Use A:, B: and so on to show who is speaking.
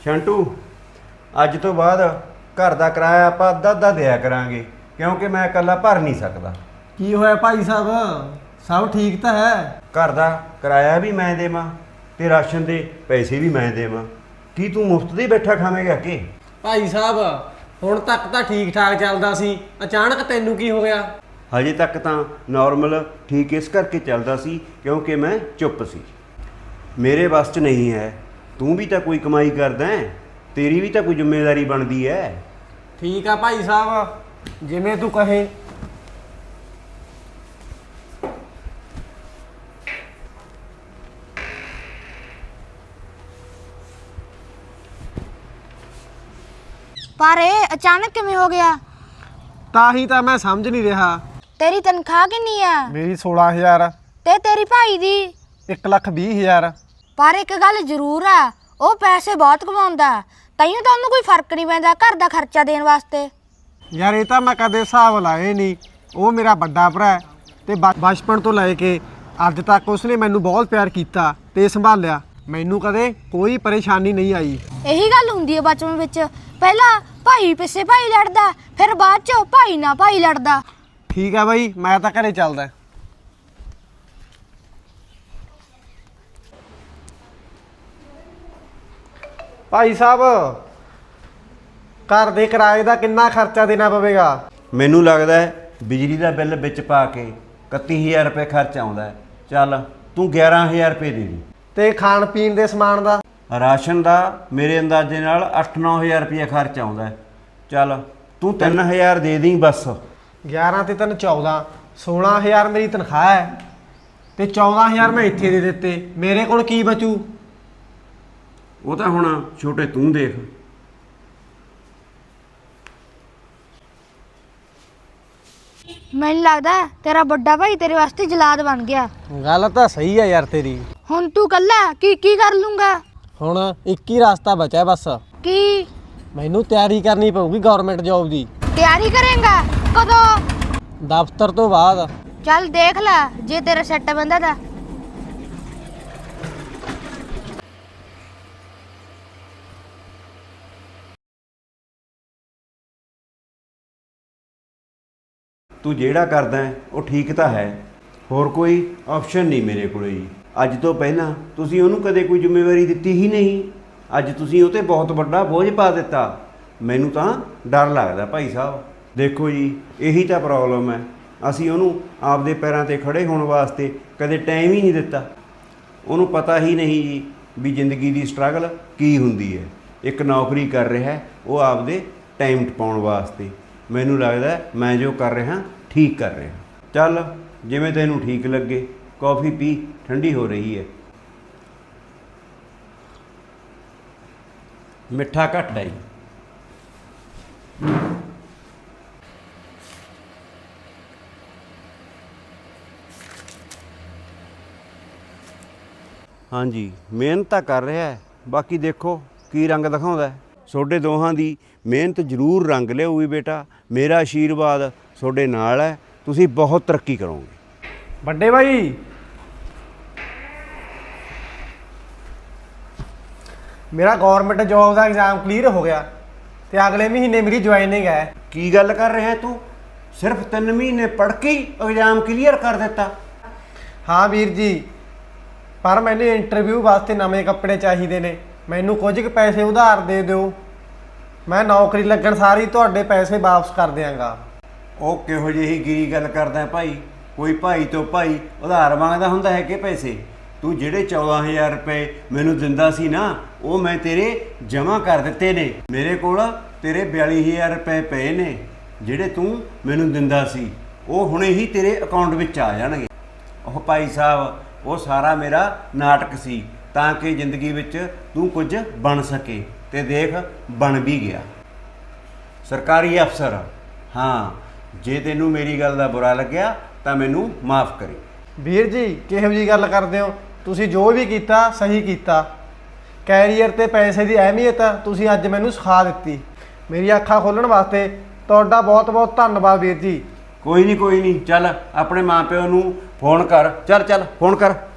A: ਸ਼ੰਟੂ ਅੱਜ ਤੋਂ ਬਾਅਦ ਘਰ ਦਾ ਕਿਰਾਇਆ ਆਪਾਂ ਅੱਧਾ ਦਿਆ ਕਰਾਂਗੇ ਕਿਉਂਕਿ ਮੈਂ ਇਕੱਲਾ ਭਰ ਨਹੀਂ ਸਕਦਾ।
B: ਕੀ ਹੋਇਆ ਭਾਈ ਸਾਹਿਬ? ਸਭ ਠੀਕ ਤਾਂ ਹੈ?
A: ਘਰ ਦਾ ਕਿਰਾਇਆ ਵੀ ਮੈਂ ਦੇਵਾਂ ਤੇ ਰਾਸ਼ਨ ਦੇ ਪੈਸੇ ਵੀ ਮੈਂ ਦੇਵਾਂ। ਕੀ ਤੂੰ ਮੁਫਤ ਦੇ ਬੈਠਾ ਖਾਵੇਂਗਾ ਕਿ?
B: ਭਾਈ ਸਾਹਿਬ ਹੁਣ ਤੱਕ ਤਾਂ ਠੀਕ ਠਾਕ ਚੱਲਦਾ ਸੀ, ਅਚਾਨਕ ਤੈਨੂੰ ਕੀ ਹੋ ਗਿਆ?
A: ਹਜੇ ਤੱਕ ਤਾਂ ਨਾਰਮਲ ਠੀਕ ਇਸ ਕਰਕੇ ਚੱਲਦਾ ਸੀ ਕਿਉਂਕਿ ਮੈਂ ਚੁੱਪ ਸੀ। ਮੇਰੇ ਵੱਸ 'ਚ ਨਹੀਂ ਹੈ। ਤੂੰ ਵੀ ਤਾਂ ਕੋਈ ਕਮਾਈ ਕਰਦਾ ਹੈ, ਤੇਰੀ ਵੀ ਤਾਂ ਕੋਈ ਜ਼ਿੰਮੇਵਾਰੀ ਬਣਦੀ ਹੈ।
B: ਠੀਕ ਆ ਭਾਈ ਸਾਹਿਬ, ਜਿਵੇਂ ਤੂੰ ਕਹੇ।
C: ਪਰ ਇਹ ਅਚਾਨਕ ਕਿਵੇਂ ਹੋ ਗਿਆ?
B: ਤਾਂ ਹੀ ਤਾਂ ਮੈਂ ਸਮਝ ਨਹੀਂ ਰਿਹਾ।
C: ਤੇਰੀ ਤਨਖਾਹ ਕਿੰਨੀ ਆ?
B: ਮੇਰੀ 16,000।
C: ਤੇ ਤੇਰੀ ਭਾਈ ਦੀ?
B: 1,20,000।
C: ਪਰ ਇੱਕ ਗੱਲ ਜ਼ਰੂਰ ਆ, ਉਹ ਪੈਸੇ ਬਹੁਤ ਕਮਾਉਂਦਾ, ਤੈਨੂੰ ਤਾਂ ਉਹਨੂੰ ਕੋਈ ਫਰਕ ਨਹੀਂ ਪੈਂਦਾ ਘਰ ਦਾ ਖਰਚਾ ਦੇਣ ਵਾਸਤੇ।
B: ਯਾਰ ਇਹ ਤਾਂ ਮੈਂ ਕਦੇ ਹਿਸਾਬ ਲਾਏ ਨਹੀਂ। ਉਹ ਮੇਰਾ ਵੱਡਾ ਭਰਾ ਹੈ ਤੇ ਬਚਪਨ ਤੋਂ ਲੈ ਕੇ ਅੱਜ ਤੱਕ ਉਸਨੇ ਮੈਨੂੰ ਬਹੁਤ ਪਿਆਰ ਕੀਤਾ ਤੇ ਸੰਭਾਲਿਆ। ਮੈਨੂੰ ਕਦੇ ਕੋਈ ਪਰੇਸ਼ਾਨੀ ਨਹੀਂ ਆਈ।
C: ਇਹੀ ਗੱਲ ਹੁੰਦੀ ਹੈ ਬਚਪਨ ਵਿੱਚ, ਪਹਿਲਾਂ ਭਾਈ ਪਿੱਛੇ ਭਾਈ ਲੜਦਾ, ਫਿਰ ਬਾਅਦ ਚ ਭਾਈ ਨਾਲ ਭਾਈ ਲੜਦਾ।
B: ਠੀਕ ਆ ਬਾਈ, ਮੈਂ ਤਾਂ ਘਰੇ ਚੱਲਦਾ। ਭਾਈ ਸਾਹਿਬ ਘਰ ਦੇ ਕਿਰਾਏ ਦਾ ਕਿੰਨਾ ਖਰਚਾ ਦੇਣਾ ਪਵੇਗਾ?
A: ਮੈਨੂੰ ਲੱਗਦਾ ਹੈ ਬਿਜਲੀ ਦਾ ਬਿੱਲ ਵਿੱਚ ਪਾ ਕੇ 31,000 ਰੁਪਏ ਖਰਚ ਆਉਂਦਾ ਹੈ। ਚੱਲ ਤੂੰ 11,000 ਰੁਪਏ ਦੇ ਦੇ।
B: ਤੇ ਖਾਣ ਪੀਣ ਦੇ ਸਮਾਨ ਦਾ?
A: ਰਾਸ਼ਨ ਦਾ ਮੇਰੇ ਅੰਦਾਜ਼ੇ ਨਾਲ 8-9,000 ਰੁਪਏ ਖਰਚ ਆਉਂਦਾ ਹੈ। ਚੱਲ ਤੂੰ 3,000 ਦੇ ਦੇਈਂ ਬਸ।
B: 11 ਤੇ 3 14, 16,000 ਮੇਰੀ ਤਨਖਾਹ ਹੈ ਤੇ 14,000 ਮੈਂ ਇੱਥੇ ਦੇ ਦਿੱਤੇ। ਮੇਰੇ ਕੋਲ ਕੀ ਬਚੂ?
A: ਉਹ ਤਾਂ ਹੁਣ ਛੋਟੇ ਤੂੰ ਦੇਖ।
C: ਮੈਨੂੰ ਲੱਗਦਾ ਤੇਰਾ ਵੱਡਾ ਭਾਈ ਤੇਰੇ ਵਾਸਤੇ ਜਲਾਦ ਬਣ ਗਿਆ।
B: ਗੱਲ ਤਾਂ ਸਹੀ ਹੈ ਯਾਰ ਤੇਰੀ।
C: ਹੁਣ ਤੂੰ ਕੱਲਾ ਕੀ ਕਰ ਲੂੰਗਾ?
B: ਹੁਣ ਇੱਕ ਹੀ ਰਸਤਾ ਬਚਿਆ ਬਸ।
C: ਕੀ?
B: ਮੈਨੂੰ ਤਿਆਰੀ ਕਰਨੀ ਪਊਗੀ ਗਵਰਨਮੈਂਟ ਜੌਬ ਦੀ।
C: ਤਿਆਰੀ ਕਰੇਂਗਾ? ਕਦੋਂ?
B: ਦਫ਼ਤਰ ਤੋਂ ਬਾਅਦ।
C: ਚੱਲ ਦੇਖ ਲੈ ਜੇ ਤੇਰਾ ਸੈੱਟ ਬੰਦਾ ਤਾਂ।
A: ਤੂੰ ਜਿਹੜਾ ਕਰਦਾ ਹੈ ਉਹ ਠੀਕ ਤਾਂ ਹੈ, ਹੋਰ ਕੋਈ ਆਪਸ਼ਨ ਨਹੀਂ ਮੇਰੇ ਕੋਲ ਜੀ। ਅੱਜ ਤੋਂ ਪਹਿਲਾਂ ਤੁਸੀਂ ਉਹਨੂੰ ਕਦੇ ਕੋਈ ਜ਼ਿੰਮੇਵਾਰੀ ਦਿੱਤੀ ਹੀ ਨਹੀਂ। ਅੱਜ ਤੁਸੀਂ ਉਹ 'ਤੇ ਬਹੁਤ ਵੱਡਾ ਬੋਝ ਪਾ ਦਿੱਤਾ। ਮੈਨੂੰ ਤਾਂ ਡਰ ਲੱਗਦਾ ਭਾਈ ਸਾਹਿਬ। ਦੇਖੋ ਜੀ, ਇਹੀ ਤਾਂ ਪ੍ਰੋਬਲਮ ਹੈ। ਅਸੀਂ ਉਹਨੂੰ ਆਪਦੇ ਪੈਰਾਂ 'ਤੇ ਖੜੇ ਹੋਣ ਵਾਸਤੇ ਕਦੇ ਟਾਈਮ ਹੀ ਨਹੀਂ ਦਿੱਤਾ। ਉਹਨੂੰ ਪਤਾ ਹੀ ਨਹੀਂ ਜੀ ਵੀ ਜ਼ਿੰਦਗੀ ਦੀ ਸਟਰਗਲ ਕੀ ਹੁੰਦੀ ਹੈ। ਇੱਕ ਨੌਕਰੀ ਕਰ ਰਿਹਾ ਉਹ ਆਪਦੇ ਟਾਈਮ ਟਪਾਉਣ ਵਾਸਤੇ। ਮੈਨੂੰ ਲੱਗਦਾ ਮੈਂ ਜੋ ਕਰ ਰਿਹਾ ਠੀਕ ਕਰ ਰਿਹਾ। ਚੱਲ ਜਿਵੇਂ ਤੈਨੂੰ ਠੀਕ ਲੱਗੇ। ਕੌਫੀ ਪੀ, ਠੰਡੀ ਹੋ ਰਹੀ ਹੈ। ਮਿੱਠਾ ਘੱਟ ਹੈ ਜੀ। ਹਾਂਜੀ, ਮਿਹਨਤ ਤਾਂ ਕਰ ਰਿਹਾ ਹੈ, ਬਾਕੀ ਦੇਖੋ ਕੀ ਰੰਗ ਦਿਖਾਉਂਦਾ। ਤੁਹਾਡੇ ਦੋਹਾਂ ਦੀ ਮਿਹਨਤ ਜ਼ਰੂਰ ਰੰਗ ਲਿਆਊਗੀ ਬੇਟਾ। ਮੇਰਾ ਆਸ਼ੀਰਵਾਦ ਤੁਹਾਡੇ ਨਾਲ ਹੈ। ਤੁਸੀਂ ਬਹੁਤ ਤਰੱਕੀ ਕਰੋਗੇ।
B: ਵੱਡੇ ਭਾਈ, ਮੇਰਾ ਗਵਰਨਮੈਂਟ ਜੌਬ ਦਾ ਐਗਜ਼ਾਮ ਕਲੀਅਰ ਹੋ ਗਿਆ ਤੇ ਅਗਲੇ ਮਹੀਨੇ ਮੇਰੀ ਜੁਆਇਨਿੰਗ ਹੈ।
A: ਕੀ ਗੱਲ ਕਰ ਰਿਹਾ ਤੂੰ? ਸਿਰਫ 3 ਮਹੀਨੇ ਪੜ੍ਹ ਕੇ ਹੀ ਐਗਜ਼ਾਮ ਕਲੀਅਰ ਕਰ ਦਿੱਤਾ?
B: ਹਾਂ ਵੀਰ ਜੀ, ਪਰ ਮੈਨੂੰ ਇੰਟਰਵਿਊ ਵਾਸਤੇ ਨਵੇਂ ਕੱਪੜੇ ਚਾਹੀਦੇ ਨੇ। ਮੈਨੂੰ ਕੁਝ ਕੁ ਪੈਸੇ ਉਧਾਰ ਦੇ ਦਿਓ। ਮੈਂ ਨੌਕਰੀ ਲੱਗਣ ਸਾਰੀ ਤੁਹਾਡੇ ਪੈਸੇ ਵਾਪਸ ਕਰ ਦਿਆਂਗਾ।
A: ਉਹ ਕਿਹੋ ਜਿਹੀ ਗਿਰੀ ਗੱਲ ਕਰਦਾ ਭਾਈ? ਕੋਈ ਭਾਈ ਤੋਂ ਭਾਈ ਉਧਾਰ ਮੰਗਦਾ ਹੁੰਦਾ ਹੈ ਕਿ ਪੈਸੇ? ਤੂੰ ਜਿਹੜੇ 14,000 ਰੁਪਏ ਮੈਨੂੰ ਦਿੰਦਾ ਸੀ ਨਾ, ਉਹ ਮੈਂ ਤੇਰੇ ਜਮ੍ਹਾਂ ਕਰ ਦਿੱਤੇ ਨੇ। ਮੇਰੇ ਕੋਲ ਤੇਰੇ 42,000 ਰੁਪਏ ਪਏ ਨੇ ਜਿਹੜੇ ਤੂੰ ਮੈਨੂੰ ਦਿੰਦਾ ਸੀ। ਉਹ ਹੁਣੇ ਹੀ ਤੇਰੇ ਅਕਾਊਂਟ ਵਿੱਚ ਆ ਜਾਣਗੇ। ਉਹ ਭਾਈ ਸਾਹਿਬ, ਉਹ ਸਾਰਾ ਮੇਰਾ ਨਾਟਕ ਸੀ ਤਾਂ ਕਿ ਜ਼ਿੰਦਗੀ ਵਿੱਚ ਤੂੰ ਕੁਝ ਬਣ ਸਕੇ। ਤੇ ਦੇਖ, ਬਣ ਵੀ ਗਿਆ ਸਰਕਾਰੀ ਅਫਸਰ। ਹਾਂ, ਜੇ ਤੈਨੂੰ ਮੇਰੀ ਗੱਲ ਦਾ ਬੁਰਾ ਲੱਗਿਆ ਤਾਂ ਮੈਨੂੰ ਮਾफ़ ਕਰੀ।
B: ਵੀਰ ਜੀ, ਕਿਹੋ ਜਿਹੀ ਗੱਲ ਕਰਦੇ ਹੋ? ਤੁਸੀਂ ਜੋ ਵੀ ਕੀਤਾ ਸਹੀ ਕੀਤਾ। ਕੈਰੀਅਰ ਤੇ ਪੈਸੇ ਦੀ ਅਹਿਮੀਅਤ ਤੁਸੀਂ ਅੱਜ ਮੈਨੂੰ ਸਿਖਾ ਦਿੱਤੀ। ਮੇਰੀ ਅੱਖਾਂ ਖੋਲ੍ਹਣ ਵਾਸਤੇ ਤੁਹਾਡਾ ਬਹੁਤ ਬਹੁਤ ਧੰਨਵਾਦ ਵੀਰ ਜੀ।
A: ਕੋਈ ਨਹੀਂ, ਕੋਈ ਨਹੀਂ। ਚੱਲ ਆਪਣੇ ਮਾਂ ਪਿਓ ਨੂੰ ਫੋਨ ਕਰ। ਚੱਲ ਫੋਨ ਕਰ।